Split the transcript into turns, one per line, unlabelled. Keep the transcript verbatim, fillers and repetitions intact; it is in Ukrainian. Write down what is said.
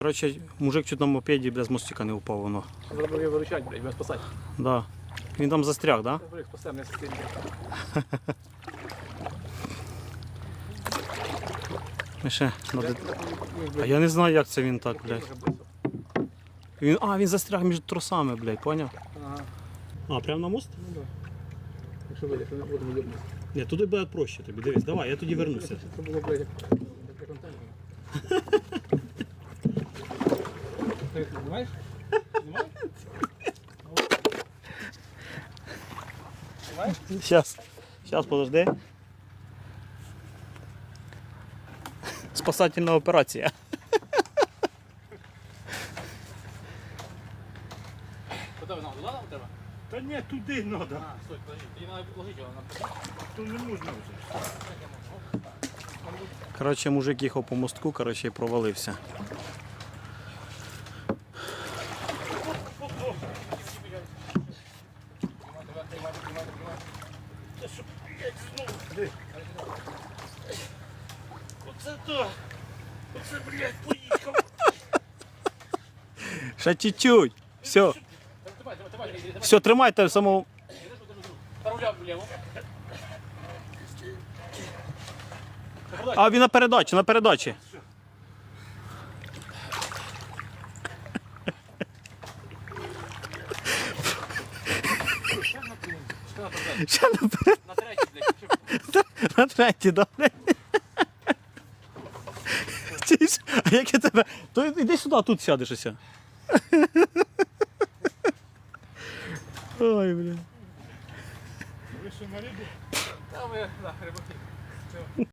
Коротше, мужик чуть на мопеді без мостика не упав воно.
Треба його виручати, блядь, без спасати.
Да. Він там застряг, так?
Треба їх спасемо, не сидимо.
Да? Ще надо... А я не знаю, як це він так, блядь. Він... А, він застряг між тросами, блядь, поняв?
Ага.
А, прямо на мост?
Ну так. Якщо вийде, якщо не будемо йобнути.
Ні, туди буде проще тобі, дивись, давай, я тоді вернуся.
Це було, блядь, як для контенту. Ти знімаєш? Знімаєш? Знімаєш?
Сейчас, сейчас, подожди. Спасательна операція.
Куди ви нам? Туди нам треба?
Та ні, туди треба.
А, стой, подожди, тоді треба вложити його на.
То не можна вже. Коротше, мужик їхав по мостку, коротше, і провалився.
Оце то! Оце, блядь, поїхав!
Ще чуть-чуть. Все,
Давай, давай, давай, давай.
все, тримайте самого.
Руля вліво.
А він на передачі, на передачі. Ще на передачі.
На третій, блядь.
На третій, добре. Чуєш? А як я тебе... То йди сюди, тут сядеш ось. Ой, бля.
Та ми, да, рибаки.